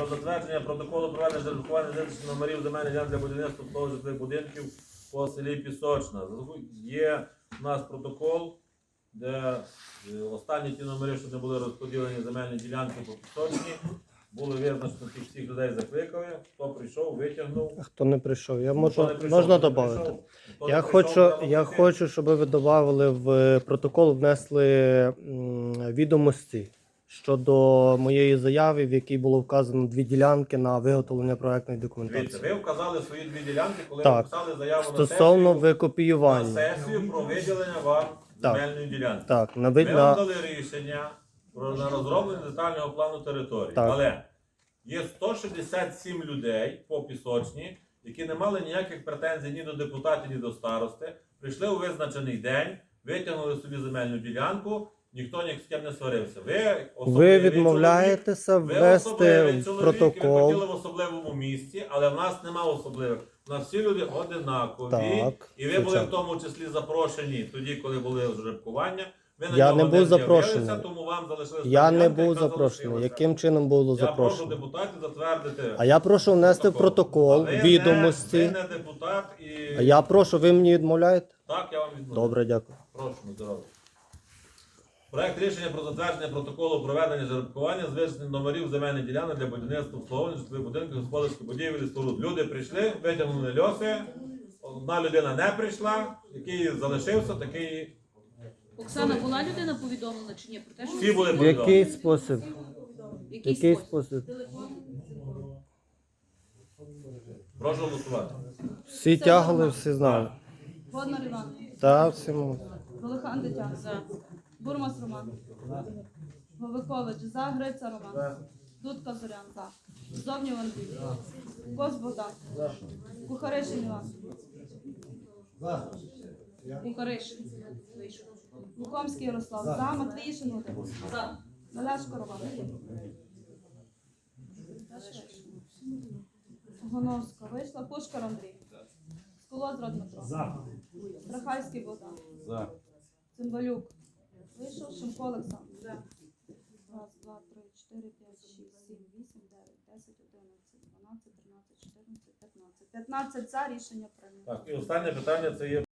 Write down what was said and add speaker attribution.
Speaker 1: про затвердження протоколу проведення жеребкування визначення номерів земельних ділянок для будівництва житлових будинків по селі Пісочна. Є у нас протокол, де останні ті номери, що не були розподілені земельні ділянки по Пісочні, були визначені, тих всіх людей закликали, хто прийшов, витягнув.
Speaker 2: Хто не прийшов, я
Speaker 1: Хто не прийшов,
Speaker 2: можна
Speaker 1: хто не
Speaker 2: додати.
Speaker 1: прийшов, хто
Speaker 2: Я
Speaker 1: не прийшов,
Speaker 2: хочу, щоб ви додали в протокол, внесли відомості щодо моєї заяви, в якій було вказано 2 ділянки на виготовлення проектної документації.
Speaker 1: Дивіться, ви вказали свої 2 ділянки, коли
Speaker 2: Так.
Speaker 1: ви писали заяву
Speaker 2: Стосовно
Speaker 1: на
Speaker 2: викопіювання.
Speaker 1: сесію про виділення вам
Speaker 2: Так.
Speaker 1: земельної ділянки.
Speaker 2: Так,
Speaker 1: Ми вам дали рішення на розроблення детального плану території.
Speaker 2: Так.
Speaker 1: Але є 167 людей по Пісочні, які не мали ніяких претензій ні до депутатів, ні до старости. Прийшли у визначений день, витягнули собі земельну ділянку, ніхто ні з ким не сварився.
Speaker 2: Ви відмовляєтеся ввести в
Speaker 1: ви
Speaker 2: протокол.
Speaker 1: хотіли в особливому місці, але в нас нема особливих. У нас всі люди одинакові.
Speaker 2: Так,
Speaker 1: І ви були
Speaker 2: звичайно.
Speaker 1: в тому числі запрошені тоді, коли були жеребкування. Ви на
Speaker 2: Я
Speaker 1: нього
Speaker 2: не був запрошений.
Speaker 1: з'явилися, тому вам залишилася
Speaker 2: Я не
Speaker 1: ділянка,
Speaker 2: був
Speaker 1: яка
Speaker 2: запрошений.
Speaker 1: залишилася.
Speaker 2: Яким чином було
Speaker 1: Я прошу
Speaker 2: запрошено?
Speaker 1: депутатів затвердити.
Speaker 2: А я прошу внести в протокол
Speaker 1: А ви
Speaker 2: відомості.
Speaker 1: ви не депутат і...
Speaker 2: А я прошу, ви мені відмовляєте?
Speaker 1: Так, я вам відмовляю.
Speaker 2: Добре, дякую.
Speaker 1: Прошу, на здоров'я. Проект рішення про затвердження протоколу проведення жеребкування з визначенням номерів земельних ділянок для будівництва обслуговування житлових будинків, господарських будівель і споруд. Люди прийшли, витягнули льоси, одна людина не прийшла, який залишився, такий...
Speaker 3: Оксана, була людина повідомлена чи ні? Про те, що
Speaker 1: Всі були
Speaker 2: В
Speaker 1: повідомлені.
Speaker 2: який спосіб? В який спосіб?
Speaker 1: Прошу голосувати.
Speaker 2: Всі тягли, всі знали.
Speaker 4: Водна Іван,
Speaker 2: Так, всі могли.
Speaker 4: Волохан Тетяна, Бурмас Роман, Вовикович, за, Гриця Роман, Дудка Зорян, за, Зовнів Андрій, Кос Богдан, Кухаришин Іван, Кухаришин, Лукомський Ярослав, за, Матвіїшин Володимир, Мелешко Роман, Гоновська вийшла, Пушкар Андрій, Сколозра Дмитро, Страхальський Богдан, Цимбалюк вийшов, Шимко Олександр. Раз, два, три, 4, 5, 6, 7, 8, 9, 10, 11, 12, 13, 14, 15. 15 за, рішення прийнято.
Speaker 1: Так, і останнє питання це є